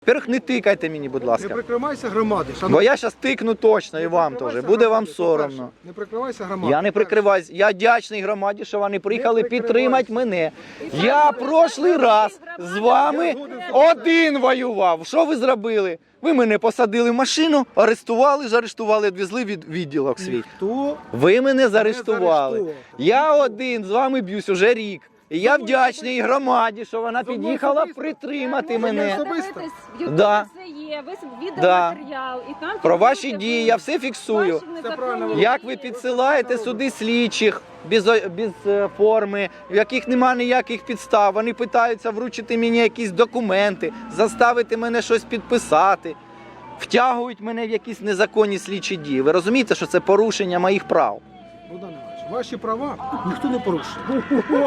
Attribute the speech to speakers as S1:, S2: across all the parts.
S1: Во-первых, не тикайте мені, будь
S2: Не
S1: ласка.
S2: прикривайся громади.
S1: Бо я зараз тикну точно і вам теж. Буде вам соромно.
S2: Не прикривайся громади.
S1: Я не прикриваюсь. Я вдячний громаді, що вони приїхали підтримати мене. Я прошлий раз з вами один воював. Що ви зробили? Ви мене посадили в машину, арестували, заарештували, відвезли від відділок свій.
S2: Хто?
S1: Ви мене заарештували.
S2: заарештував.
S1: Я один з вами б'юсь уже рік. І я вдячний громаді, що вона під'їхала притримати мене. Да. Да. Про ваші дії я все фіксую. Як ви підсилаєте сюди слідчих без форми, в яких немає ніяких підстав. Вони питаються вручити мені якісь документи, заставити мене щось підписати. Втягують мене в якісь незаконні слідчі дії. Ви розумієте, що це порушення моїх прав?
S2: Богдан Іванович, ваші права ніхто не порушує.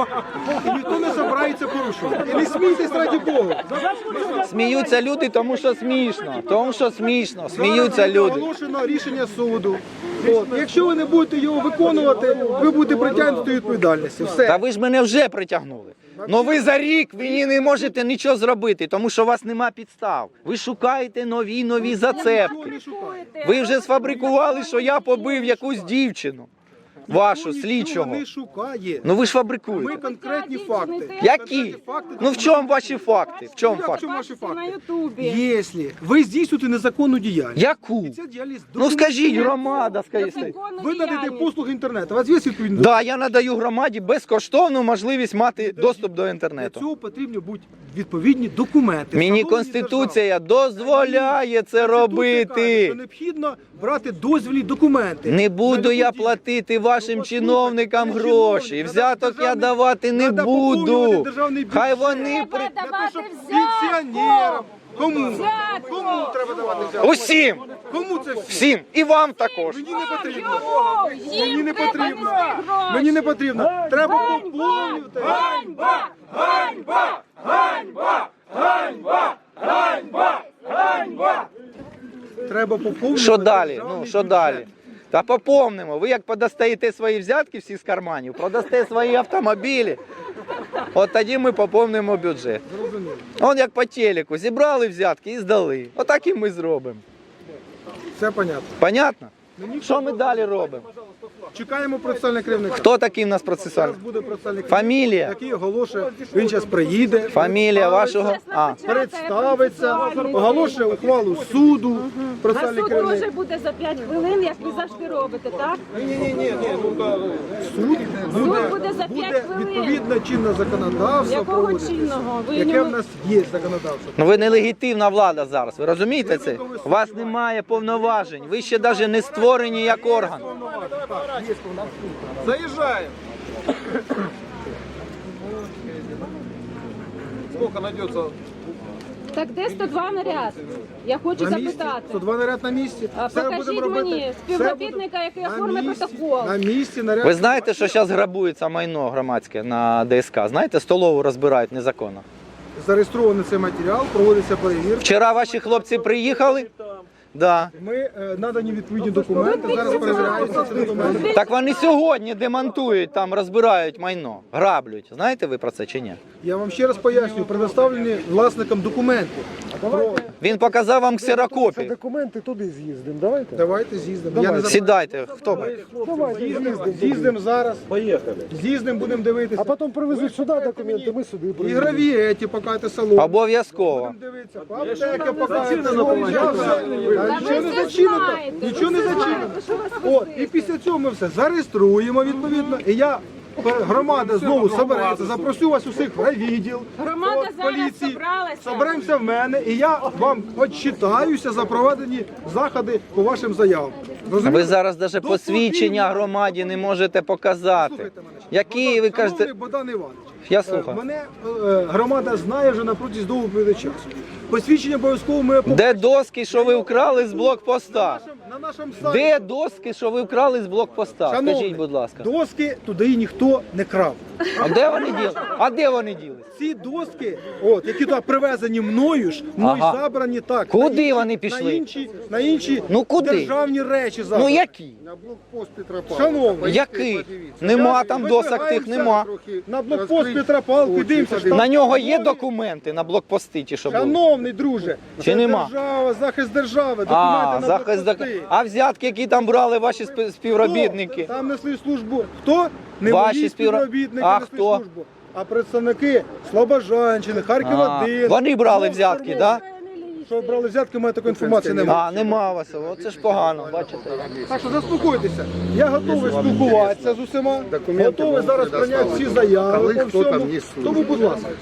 S2: І ніхто не збирається порушувати. І не смійтесь раді Богу.
S1: Сміються люди, тому що смішно. Тому що смішно. Сміються люди.
S2: Оголошено рішення суду. От. Якщо ви не будете його виконувати, ви будете притягнуті до відповідальності. Все.
S1: Та ви ж мене вже притягнули. Ну ви за рік ви не можете нічого зробити, тому що у вас нема підстав. Ви шукаєте нові зацепки. Ви вже сфабрикували, що я побив якусь дівчину. Вашу, слідчого.
S2: Не шукає.
S1: Ну ви ж
S2: Ми
S1: фабрикуєте.
S2: конкретні факти.
S1: Які? Ну в чому ваші факти? В чому
S2: Як в
S1: факти?
S2: чому ваші факти? Якщо ви здійснюєте незаконну діяльність,
S1: Яку?
S2: і ця діяльність
S1: Ну скажіть, громада, скажіть.
S2: ви надаєте послуги інтернету, у вас є відповідно?
S1: Да, я надаю громаді безкоштовну можливість мати доступ до
S2: Для
S1: інтернету.
S2: цього потрібні будуть відповідні документи.
S1: Мені
S2: встановлені
S1: Конституція
S2: державою.
S1: дозволяє це
S2: Конституція каже,
S1: робити.
S2: що необхідно брати дозвільні документи.
S1: Не буду я
S2: Надо
S1: платити вашим
S2: Ну,
S1: чиновникам
S2: послухайте,
S1: гроші.
S2: чиновник,
S1: Взяток я
S2: державний-
S1: давати не
S2: надо поповнювати
S1: буду.
S2: державний бюджет.
S1: Хай вони
S2: Для того, щоб пенсіонерам. Кому? Кому треба давати взятку?
S1: Усім,
S2: Кому це всі?
S1: всім, і вам також.
S2: Мені не потрібно. Мені не потрібно. Мені не потрібно. Треба поповнювати.
S3: Ганьба! Ганьба! Ганьба! Ганьба! Ганьба! Ганьба!
S2: Треба поповнювати.
S1: Що далі?
S2: державний
S1: Ну, що
S2: бюджет.
S1: далі? Та поповнимо. Ви як подостаєте свої взятки всі з карманів, продасте свої автомобілі, от тоді ми поповнимо бюджет.
S2: Зрозуміло.
S1: Он як по телеку, зібрали взятки і здали. Отак і ми зробимо.
S2: Все понятно.
S1: Понятно? Що ми далі робимо?
S2: Чекаємо процесуального керівника.
S1: Хто такий в нас процесуальний?
S2: Зараз буде процесуальний керівник,
S1: Фамілія?
S2: який оголошує. Він зараз приїде.
S1: Фамілія вашого?
S2: Представиться, оголошує ухвалу суду.
S4: А
S2: Процесуальний
S4: суд
S2: керівник.
S4: може буде за 5 хвилин, як ви завжди робите, так?
S2: Суд
S4: буде за 5 хвилин.
S2: відповідно чинне законодавство
S4: Якого
S2: проводиться,
S4: чинного? Ви
S2: яке
S4: не-
S2: в нас є законодавство.
S1: Ну ви нелегітимна влада зараз, ви розумієте це? У вас немає повноважень, ви ще навіть не створені як орган.
S5: Заезжаем. Сколько найдется?
S4: Так де 102 наряд? Я хочу
S2: На місці,
S4: запитати.
S2: 102 наряд на місці.
S4: А
S2: Все
S4: покажіть
S2: будемо робити.
S4: мені
S2: Все
S4: співробітника,
S2: буде-
S4: який
S2: на
S4: оформить
S2: місці,
S4: протокол.
S2: На місці наряд.
S1: Ви знаєте, що зараз грабується майно громадське на ДСК? Знаєте, столову розбирають незаконно.
S2: Зареєстрований цей матеріал, проводиться перевірка.
S1: Вчора ваші хлопці приїхали? Да.
S2: Ми надані відповідні документи, зараз перевіряються ці документи.
S1: Так вони сьогодні демонтують, там розбирають майно, граблють. Знаєте ви про це чи ні?
S2: Я вам ще раз пояснюю, предоставлені власникам документи.
S1: Він показав вам ксерокопії.
S6: Документи туди з'їздимо, давайте.
S2: Давайте з'їздимо. Я не за-
S1: Сідайте, хто ви?
S6: Давайте з'їздимо.
S2: З'їздимо зараз. Поїхали. З'їздимо, будемо дивитися.
S6: А потім привезуть сюди документи, ми сюди приїдемо.
S2: Ігрові ті, покайте салон.
S1: Обов'язково.
S2: Будемо дивитися. Аптеки покайте салон. Я все. Нічого не зачинено. Нічого не зачинено. От, і після цього ми все зареєструємо відповідно. І я, громада знову собереться, запросю вас усіх в райвідділ,
S4: Громада
S2: от,
S4: зараз
S2: поліції.
S4: собралася.
S2: Соберемося в мене, і я вам отчитаюся за проведені заходи по вашим заявам. Розумієте?
S1: Ви зараз навіть посвідчення громаді не можете показати.
S2: Слухайте мене.
S1: Які ви кажете?
S2: Шановний Богдан Іванович,
S1: Я слухаю.
S2: мене громада знає вже на протязі довгого періоду часу. Посвідчення обов'язково ми
S1: Де доски, що ви вкрали з блокпоста?
S2: на нашому сайті.
S1: Де доски, що ви вкрали з блокпоста?
S2: Шановний,
S1: Скажіть, будь ласка.
S2: доски туди ніхто не крав.
S1: А де вони ділись? А де вони ділись?
S2: Ці доски, от, які туди привезені мною ж, мною
S1: Ага.
S2: забрані так.
S1: Куди
S2: на інші-
S1: вони пішли?
S2: На інші
S1: Ну, куди?
S2: державні речі
S1: Ну
S2: забрані.
S1: які?
S5: На блокпост Петропавловка.
S2: Шановний,
S1: Який? Нема там досок тих, нема.
S2: на блокпост Петропавловки дивимося, що
S1: На нього є документи на блокпости чи що були?
S2: шановний друже,
S1: Чи
S2: це
S1: нема?
S2: держава, захист держави, документи
S1: А,
S2: на
S1: захист
S2: блокпости.
S1: А взятки, які там брали ваші співробітники?
S2: Хто там несли службу? Хто? Не
S1: Ваші
S2: мої співробітники
S1: А
S2: несли
S1: хто?
S2: службу, а представники Слобожанщини, Харків
S1: А,
S2: 1.
S1: вони брали взятки, так?
S2: Що брали взятки, у мене такої інформації немає.
S1: А, нема у вас. Оце ж погано, бачите.
S2: Так що заспокойтеся. Я готовий спілкуватися з усіма,
S5: Документи
S2: готовий зараз
S5: можете
S2: прийняти всі
S5: доставити.
S2: заяви
S5: Коли
S2: по
S5: хто там
S2: всьому.
S5: є суд.
S2: Тому, будь ласка.